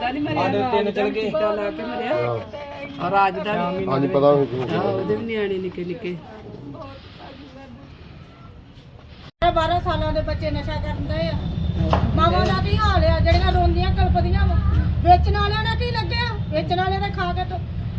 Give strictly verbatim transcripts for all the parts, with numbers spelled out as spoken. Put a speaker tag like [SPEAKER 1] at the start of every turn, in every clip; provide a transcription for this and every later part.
[SPEAKER 1] ਤਿੰਨ ਚਲ ਗਏ ਲਾ ਕੇ ਮਰਿਆ ਔਰ ਰਾਜ ਦਾ
[SPEAKER 2] ਹਾਂਜੀ ਪਤਾ
[SPEAKER 1] ਉਹਦੇ ਵੀ ਨਿਆਣੇ ਨਿੱਕੇ ਨਿੱਕੇ
[SPEAKER 3] ਬਾਰਾਂ ਸਾਲਾਂ ਦੇ ਬੱਚੇ ਨਸ਼ਾ ਕਰਦੇ ਆ। ਮਾਵਾਂ ਦਾ ਕੀ ਹਾਲ ਆ ਜਿਹੜੀਆਂ ਰੋਂਦੀਆਂ ਕਲਪਦੀਆਂ ਵਾ। ਵੇਚਣ ਵਾਲਿਆਂ ਨੇ ਕੀ ਲੱਗਿਆ ਵੇਚਣ ਵਾਲਿਆਂ ਨੇ ਖਾ ਕੇ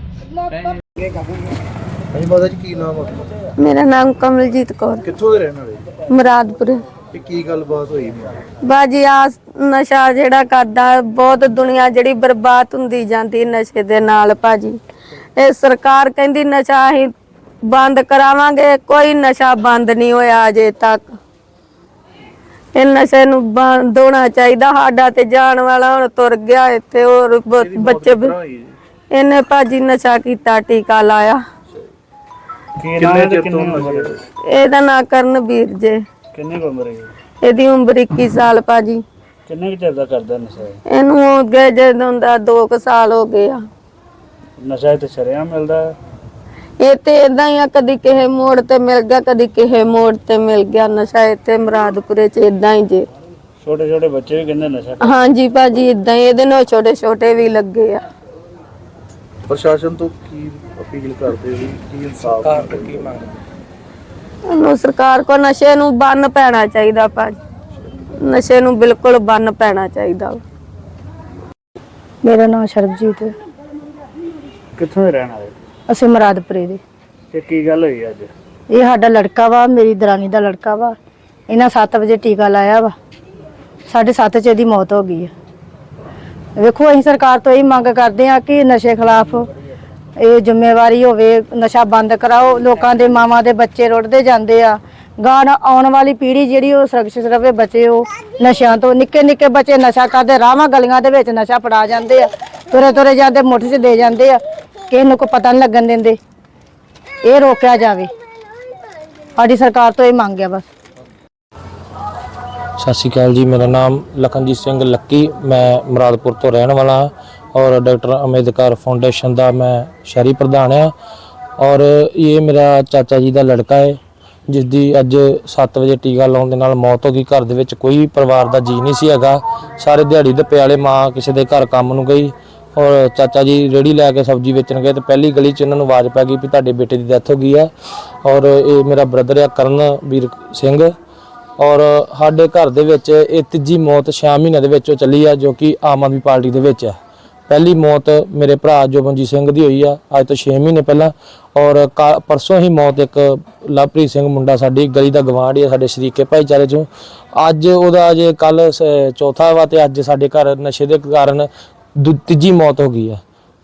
[SPEAKER 2] ਹਾਂਜੀ ਮਾਤਾ ਜੀ ਕੀ ਨਾਮ ਆ?
[SPEAKER 4] ਮੇਰਾ ਨਾਮ ਕਮਲਜੀਤ ਕੌਰ,
[SPEAKER 2] ਕਿੱਥੋਂ ਦੇ ਰਹਿਣ ਵਾਲੇ?
[SPEAKER 4] ਮੁਰਾਦਪੁਰ।
[SPEAKER 2] ਇਹ ਕੀ ਗੱਲਬਾਤ ਹੋਈ?
[SPEAKER 4] ਬਾਜੀ ਆ ਨਸ਼ਾ ਜਿਹੜਾ ਕਰਦਾ ਬਹੁਤ ਦੁਨੀਆ ਜਿਹੜੀ ਬਰਬਾਦ ਹੁੰਦੀ ਜਾਂਦੀ ਨਸ਼ੇ ਦੇ ਨਾਲ ਭਾਜੀ। ਇਹ ਸਰਕਾਰ ਕਹਿੰਦੀ ਨਸ਼ਾ ਅਸੀਂ ਬੰਦ ਕਰਾਵਾਂਗੇ, ਕੋਈ ਨਸ਼ਾ ਬੰਦ ਨਹੀਂ ਹੋਇਆ ਅਜੇ ਤੱਕ। ਇਹ ਨਸ਼ੇ ਨੂੰ ਬੰਦ ਹੋਣਾ ਚਾਹੀਦਾ। ਸਾਡਾ ਤੇ ਜਾਣ ਵਾਲਾ ਹੁਣ ਤੁਰ ਗਿਆ ਇੱਥੇ ਹੋਰ ਬੱਚੇ ਇਹਨੇ ਭਾਜੀ ਨਸ਼ਾ ਕੀਤਾ, ਟੀਕਾ ਲਾਇਆ।
[SPEAKER 2] ਕਿੰਨੇ ਚਿਰ ਤੋਂ ਨਸ਼ੇ?
[SPEAKER 4] ਇਹਦਾ ਨਾਂ ਕਰਨਵੀਰ ਜੇ।
[SPEAKER 2] ਕਿੰਨੀ ਉਮਰ ਹੈ
[SPEAKER 4] ਇਹਦੀ ਉਮਰ ਇੱਕੀ ਸਾਲ ਭਾਜੀ।
[SPEAKER 2] ਕਿੰਨੇ ਚਿਰ ਦਾ ਕਰਦਾ ਨਸ਼ਾ?
[SPEAKER 4] ਇਹਨੂੰ ਹੋ ਗਏ ਜਦੋਂ ਦਾ ਦੋ ਕੁ ਸਾਲ ਹੋ ਗਏ ਆ।
[SPEAKER 2] ਨਸ਼ਾ ਤੇ ਸ਼ਰਿਆਂ ਮਿਲਦਾ?
[SPEAKER 4] ਇਹ ਤੇ ਏਦਾਂ ਹੀ ਆ, ਕਦੀ ਕਿਸੇ ਮੋੜ ਤੇ ਮਿਲ ਗਿਆ, ਕਦੀ ਕਿਸੇ ਮੋੜ ਤੇ ਮਿਲ ਗਿਆ ਨਸ਼ਾ। ਇੱਥੇ ਮੁਰਾਦਪੁਰੇ ਚ ਏਦਾਂ ਹੀ ਜੇ।
[SPEAKER 2] ਛੋਟੇ ਛੋਟੇ ਬੱਚੇ ਵੀ ਕਹਿੰਦੇ ਨਸ਼ਾ?
[SPEAKER 4] ਹਾਂਜੀ ਭਾਜੀ ਏਦਾਂ ਹੀ। ਇਹਦੇ ਨਾਲ ਛੋਟੇ ਛੋਟੇ ਵੀ ਲੱਗੇ ਆ।
[SPEAKER 2] ਪ੍ਰਸ਼ਾਸਨ ਤੋਂ ਕੀ ਅਪੀਲ ਕਰਦੇ ਹੋ? ਕੀ ਇਨਸਾਫ ਕੀ ਮੰਗਦੇ?
[SPEAKER 4] ਇਹਨੂੰ ਸਰਕਾਰ ਕੋ ਨਸ਼ੇ ਨੂੰ ਬੰਨ ਪੈਣਾ ਚਾਹੀਦਾ ਭਾਜੀ। ਨਸ਼ੇ ਨੂੰ ਬਿਲਕੁਲ ਬੰਨ ਪੈਣਾ ਚਾਹੀਦਾ। ਮੇਰਾ ਨਾਮ ਸਰਬਜੀਤ ਹੈ।
[SPEAKER 2] ਕਿੱਥੋਂ ਦੇ ਰਹਿਣ ਵਾਲੇ?
[SPEAKER 4] ਅਸੀਂ ਮੁਰਾਦਪੁਰੇ ਦੇ।
[SPEAKER 2] ਤੇ ਕੀ ਗੱਲ ਹੋਈ ਅੱਜ?
[SPEAKER 4] ਇਹ ਸਾਡਾ ਲੜਕਾ ਵਾ, ਮੇਰੀ ਦਰਾਨੀ ਦਾ ਲੜਕਾ ਵਾ। ਇਹਨਾਂ ਸੱਤ ਵਜੇ ਟੀਕਾ ਲਾਇਆ ਵਾ, ਸਾਢੇ ਸੱਤ ਚ ਇਹਦੀ ਮੌਤ ਹੋ ਗਈ ਹੈ। ਵੇਖੋ ਅਸੀਂ ਸਰਕਾਰ ਤੋਂ ਇਹ ਮੰਗ ਕਰਦੇ ਹਾਂ ਕਿ ਨਸ਼ੇ ਖਿਲਾਫ ਇਹ ਜ਼ਿੰਮੇਵਾਰੀ ਹੋਵੇ, ਨਸ਼ਾ ਬੰਦ ਕਰਾਓ। ਲੋਕਾਂ ਦੇ ਮਾਵਾਂ ਦੇ ਬੱਚੇ ਰੁੜਦੇ ਜਾਂਦੇ ਆ। ਗਾਂ ਆਉਣ ਵਾਲੀ ਪੀੜ੍ਹੀ ਜਿਹੜੀ ਉਹ ਸੁਰੱਖਿਅਤ ਰਵੇ, ਬੱਚੇ ਉਹ ਨਸ਼ਿਆਂ ਤੋਂ। ਨਿੱਕੇ ਨਿੱਕੇ ਬੱਚੇ ਨਸ਼ਾ ਕਰਦੇ, ਰਾਵਾਂ ਗਲੀਆਂ ਦੇ ਵਿੱਚ ਨਸ਼ਾ ਫੜਾ ਜਾਂਦੇ ਆ, ਤੁਰੇ ਤੁਰੇ ਜਾਂਦੇ ਮੁੱਠ 'ਚ ਦੇ ਜਾਂਦੇ ਆ, ਕਿਸੇ ਨੂੰ ਕੋਈ ਪਤਾ ਨਹੀਂ ਲੱਗਣ ਦਿੰਦੇ। ਇਹ ਰੋਕਿਆ ਜਾਵੇ, ਸਾਡੀ ਸਰਕਾਰ ਤੋਂ ਇਹ ਮੰਗ ਆ ਬਸ।
[SPEAKER 5] ਸਤਿ ਸ਼੍ਰੀ ਅਕਾਲ ਜੀ, ਮੇਰਾ ਨਾਮ ਲਖਨਜੀਤ ਸਿੰਘ ਲੱਕੀ, ਮੈਂ ਮੁਰਾਦਪੁਰ ਤੋਂ ਰਹਿਣ ਵਾਲਾ ਹਾਂ ਔਰ ਡਾਕਟਰ ਅੰਬੇਦਕਰ ਫਾਊਂਡੇਸ਼ਨ ਦਾ ਮੈਂ ਸ਼ਹਿਰੀ ਪ੍ਰਧਾਨ ਹਾਂ। ਔਰ ਇਹ ਮੇਰਾ ਚਾਚਾ ਜੀ ਦਾ ਲੜਕਾ ਹੈ ਜਿਸ ਦੀ ਅੱਜ ਸੱਤ ਵਜੇ ਟੀਕਾ ਲਾਉਣ ਦੇ ਨਾਲ ਮੌਤ ਹੋ ਗਈ। ਘਰ ਦੇ ਵਿੱਚ ਕੋਈ ਪਰਿਵਾਰ ਦਾ ਜੀ ਨਹੀਂ ਸੀ ਹੈਗਾ, ਸਾਰੇ ਦਿਹਾੜੀ ਦੱਪੇ ਵਾਲੇ। ਮਾਂ ਕਿਸੇ ਦੇ ਘਰ ਕੰਮ ਨੂੰ ਗਈ ਔਰ ਚਾਚਾ ਜੀ ਰੇਹੜੀ ਲੈ ਕੇ ਸਬਜ਼ੀ ਵੇਚਣ ਗਏ ਤੇ ਪਹਿਲੀ ਗਲੀ 'ਚ ਇਹਨਾਂ ਨੂੰ ਆਵਾਜ਼ ਪੈ ਗਈ ਵੀ ਤੁਹਾਡੇ ਬੇਟੇ ਦੀ ਡੈਥ ਹੋ ਗਈ ਆ। ਔਰ ਇਹ ਮੇਰਾ ਬ੍ਰਦਰ ਆ ਕਰਨਵੀਰ ਸਿੰਘ। ਔਰ ਸਾਡੇ ਘਰ ਦੇ ਵਿੱਚ ਇਹ ਤੀਜੀ ਮੌਤ ਛੇ ਮਹੀਨਿਆਂ ਦੇ ਵਿੱਚ ਚੱਲੀ ਆ, ਜੋ ਕਿ ਆਮ ਆਦਮੀ ਪਾਰਟੀ ਦੇ ਵਿੱਚ ਆ। ਪਹਿਲੀ ਮੌਤ ਮੇਰੇ ਭਰਾ ਜੋਬਨਜੀਤ ਸਿੰਘ ਦੀ ਹੋਈ ਆ ਅੱਜ ਤੋਂ ਛੇ ਮਹੀਨੇ ਪਹਿਲਾਂ। ਔਰ ਪਰਸੋਂ ਹੀ ਮੌਤ ਇੱਕ ਲਵਪ੍ਰੀਤ ਸਿੰਘ ਮੁੰਡਾ ਸਾਡੀ ਗਲੀ ਦਾ ਗਵਾਂਢ ਆ, ਸਾਡੇ ਸ਼ਰੀਕੇ ਭਾਈਚਾਰੇ 'ਚੋਂ। ਅੱਜ ਉਹਦਾ ਅਜੇ ਕੱਲ ਚੌਥਾ ਵਾ ਤੇ ਅੱਜ ਸਾਡੇ ਘਰ ਨਸ਼ੇ ਦੇ ਕਾਰਨ ਤੀਜੀ ਮੌਤ ਹੋ ਗਈ ਆ।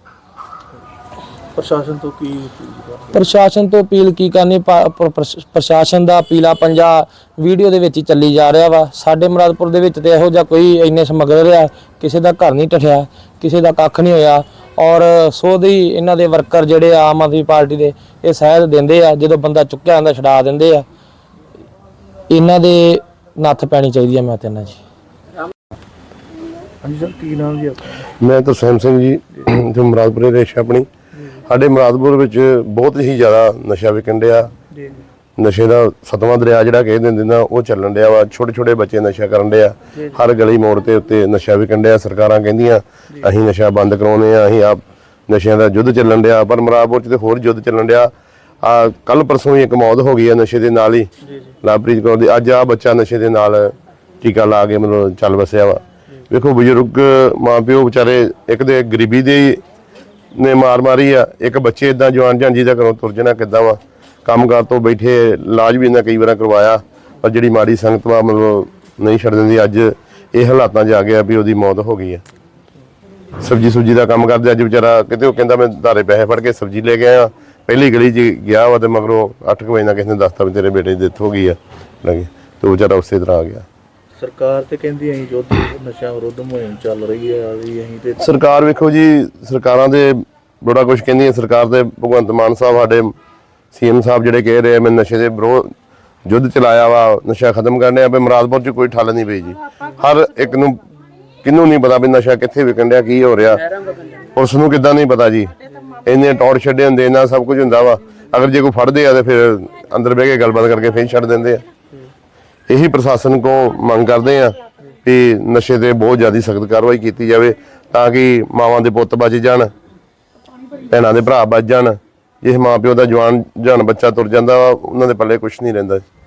[SPEAKER 2] ਪ੍ਰਸ਼ਾਸਨ ਤੋਂ ਕੀ?
[SPEAKER 5] ਪ੍ਰਸ਼ਾਸਨ ਤੋਂ ਅਪੀਲ ਕੀ ਕਰਨੀ? ਪ੍ਰਸ਼ਾਸਨ ਦਾ ਅਪੀਲਾ ਪੰਜਾ ਵੀਡੀਓ ਦੇ ਵਿੱਚ ਹੀ ਚੱਲੀ ਜਾ ਰਿਹਾ ਵਾ। ਸਾਡੇ ਮੁਰਾਦਪੁਰ ਦੇ ਵਿੱਚ ਤੇ ਇਹੋ ਜਿਹਾ ਕੋਈ ਇੰਨੇ ਸਮਗਲਰ ਆ, ਕਿਸੇ ਦਾ ਘਰ ਨਹੀਂ ਟੱਠਿਆ, ਕਿਸੇ ਦਾ ਕੱਖ ਨਹੀਂ ਹੋਇਆ। ਔਰ ਸੋ ਦੀ ਇਹਨਾਂ ਦੇ ਵਰਕਰ ਜਿਹੜੇ ਆਮ ਆਦਮੀ ਪਾਰਟੀ ਦੇ ਇਹ ਸਹਿਦ ਦਿੰਦੇ ਆ, ਜਦੋਂ ਬੰਦਾ ਚੁੱਕਿਆ ਜਾਂਦਾ ਛਡਾ ਦਿੰਦੇ ਆ। ਇਹਨਾਂ ਦੇ ਨੱਥ ਪੈਣੀ ਚਾਹੀਦੀ ਆ। ਮੈਂ ਤੇ ਨਾ ਜੀ।
[SPEAKER 2] ਹਾਂਜੀ ਸਰ, ਕੀ ਨਾਮ ਜੀ ਆਪਣਾ?
[SPEAKER 6] ਮੈਂ ਤਾਂ ਸੈਮ ਸਿੰਘ ਜੀ, ਜੋ ਮੁਰਾਦਪੁਰੇ ਰੇਸ਼ ਆਪਣੀ। ਸਾਡੇ ਮੁਰਾਦਪੁਰ ਵਿੱਚ ਬਹੁਤ ਹੀ ਜ਼ਿਆਦਾ ਨਸ਼ਾ ਵਿਕਣ ਡਿਆ। ਨਸ਼ੇ ਦਾ ਸਤਵਾਂ ਦਰਿਆ ਜਿਹੜਾ ਕਹਿ ਦਿੰਦੇ ਨਾ ਉਹ ਚੱਲਣ ਡਿਆ ਵਾ। ਛੋਟੇ ਛੋਟੇ ਬੱਚੇ ਨਸ਼ਾ ਕਰਨ ਡਿਆ, ਹਰ ਗਲੀ ਮੋੜ ਤੇ ਉੱਤੇ ਨਸ਼ਾ ਵਿਕਣ ਡਿਆ। ਸਰਕਾਰਾਂ ਕਹਿੰਦੀਆਂ ਅਸੀਂ ਨਸ਼ਾ ਬੰਦ ਕਰਾਉਣੇ ਆ, ਅਸੀਂ ਆਪ ਨਸ਼ਿਆਂ ਦਾ ਯੁੱਧ ਚੱਲਣ ਡਿਆ, ਪਰ ਮੁਰਾਦਪੁਰ 'ਚ ਤੇ ਹੋਰ ਯੁੱਧ ਚੱਲਣ ਡਿਆ। ਆ ਕੱਲ ਪਰਸੋਂ ਹੀ ਇੱਕ ਮੌਤ ਹੋ ਗਈ ਆ ਨਸ਼ੇ ਦੇ ਨਾਲ ਹੀ, ਲਵਪ੍ਰੀਤ ਕੌਰ ਦੀ। ਅੱਜ ਆ ਬੱਚਾ ਨਸ਼ੇ ਦੇ ਨਾਲ ਟੀਕਾ ਲਾ ਕੇ ਮਤਲਬ ਚੱਲ ਵਸਿਆ ਵਾ। ਵੇਖੋ ਬਜ਼ੁਰਗ ਮਾਂ ਪਿਓ ਵਿਚਾਰੇ, ਇੱਕ ਦੇ ਗਰੀਬੀ ਦੇ ਨੇ ਮਾਰ ਮਾਰੀ ਆ, ਇੱਕ ਬੱਚੇ ਇਦਾਂ ਜਵਾਨ ਜਾਂਜੀ ਦਾ ਘਰੋਂ ਤੁਰ ਜਾਣਾ ਕਿੱਦਾਂ ਵਾ। ਕੰਮਕਾਰ ਤੋਂ ਬੈਠੇ ਇਲਾਜ ਵੀ ਇਹਨਾਂ ਕਈ ਵਾਰ ਕਰਵਾਇਆ, ਪਰ ਜਿਹੜੀ ਮਾੜੀ ਸੰਗਤ ਵਾ ਮਤਲਬ ਨਹੀਂ ਛੱਡ ਦਿੰਦੀ। ਅੱਜ ਇਹ ਹਾਲਾਤਾਂ 'ਚ ਆ ਗਿਆ ਵੀ ਉਹਦੀ ਮੌਤ ਹੋ ਗਈ ਆ। ਸਬਜ਼ੀ ਸੁਬਜੀ ਦਾ ਕੰਮ ਕਰਦੇ, ਅੱਜ ਵਿਚਾਰਾ ਕਿਤੇ ਉਹ ਕਹਿੰਦਾ ਮੈਂ ਧਾਰੇ ਪੈਸੇ ਫੜ ਕੇ ਸਬਜ਼ੀ ਲੈ ਕੇ ਆਇਆ, ਪਹਿਲੀ ਗਲੀ 'ਚ ਗਿਆ ਵਾ ਤੇ ਮਗਰੋਂ ਅੱਠ ਕੁ ਵਜੇ ਨਾਲ ਕਿਸੇ ਨੇ ਦੱਸਤਾ ਵੀ ਤੇਰੇ ਬੇਟੇ ਦੀ ਡੈਥ ਹੋ ਗਈ ਆ ਲੱਗੇ, ਤੇ ਉਹ ਵਿਚਾਰਾ ਉਸੇ ਤਰ੍ਹਾਂ ਆ ਗਿਆ।
[SPEAKER 2] ਸਰਕਾਰ ਤੇ ਕਹਿੰਦੀ ਅਸੀਂ ਯੁੱਧ ਨਸ਼ਾ ਵਿਰੁੱਧ ਮੁਹਿੰਮ ਚੱਲ ਰਹੀ ਹੈ ਵੀ ਅਸੀਂ ਤੇ।
[SPEAKER 6] ਸਰਕਾਰ ਵੇਖੋ ਜੀ, ਸਰਕਾਰਾਂ ਦੇ ਬੜਾ ਕੁਝ ਕਹਿੰਦੀਆਂ। ਸਰਕਾਰ ਦੇ ਭਗਵੰਤ ਮਾਨ ਸਾਹਿਬ ਸਾਡੇ ਸੀਐਮ ਸਾਹਿਬ ਜਿਹੜੇ ਕਹਿ ਰਹੇ ਮੈਂ ਨਸ਼ੇ ਦੇ ਵਿਰੋਧ ਯੁੱਧ ਚਲਾਇਆ ਵਾ, ਨਸ਼ਾ ਖਤਮ ਕਰਨੇ ਆ। ਵੀ ਮੁਰਾਦਪੁਰ 'ਚ ਕੋਈ ਠੱਲ ਨਹੀਂ ਪਈ ਜੀ। ਹਰ ਇੱਕ ਨੂੰ ਕਿਹਨੂੰ ਨਹੀਂ ਪਤਾ ਵੀ ਨਸ਼ਾ ਕਿੱਥੇ ਵਿਕਣ ਡਿਆ, ਕੀ ਹੋ ਰਿਹਾ। ਪੁਲਿਸ ਨੂੰ ਕਿੱਦਾਂ ਨਹੀਂ ਪਤਾ ਜੀ। ਇੰਨੇ ਟੌਰ ਛੱਡੇ ਹੁੰਦੇ, ਇਹਨਾਂ ਸਭ ਕੁਝ ਹੁੰਦਾ ਵਾ। ਅਗਰ ਜੇ ਕੋਈ ਫੜਦੇ ਆ ਤੇ ਫਿਰ ਅੰਦਰ ਬਹਿ ਕੇ ਗੱਲਬਾਤ ਕਰਕੇ ਫਿਰ ਛੱਡ ਦਿੰਦੇ ਆ। ਇਹੀ ਪ੍ਰਸ਼ਾਸਨ ਕੋ ਮੰਗ ਕਰਦੇ ਆ ਵੀ ਨਸ਼ੇ ਤੇ ਬਹੁਤ ਜ਼ਿਆਦਾ ਸਖਤ ਕਾਰਵਾਈ ਕੀਤੀ ਜਾਵੇ ਤਾਂ ਕਿ ਮਾਵਾਂ ਦੇ ਪੁੱਤ ਬਚ ਜਾਣ, ਭੈਣਾਂ ਦੇ ਭਰਾ ਬਚ ਜਾਣ। ਜਿਸ ਮਾਂ ਪਿਓ ਦਾ ਜਵਾਨ ਜਾਨ ਬੱਚਾ ਤੁਰ ਜਾਂਦਾ ਵਾ ਉਹਨਾਂ ਦੇ ਪੱਲੇ ਕੁਝ ਨਹੀਂ ਰਹਿੰਦਾ।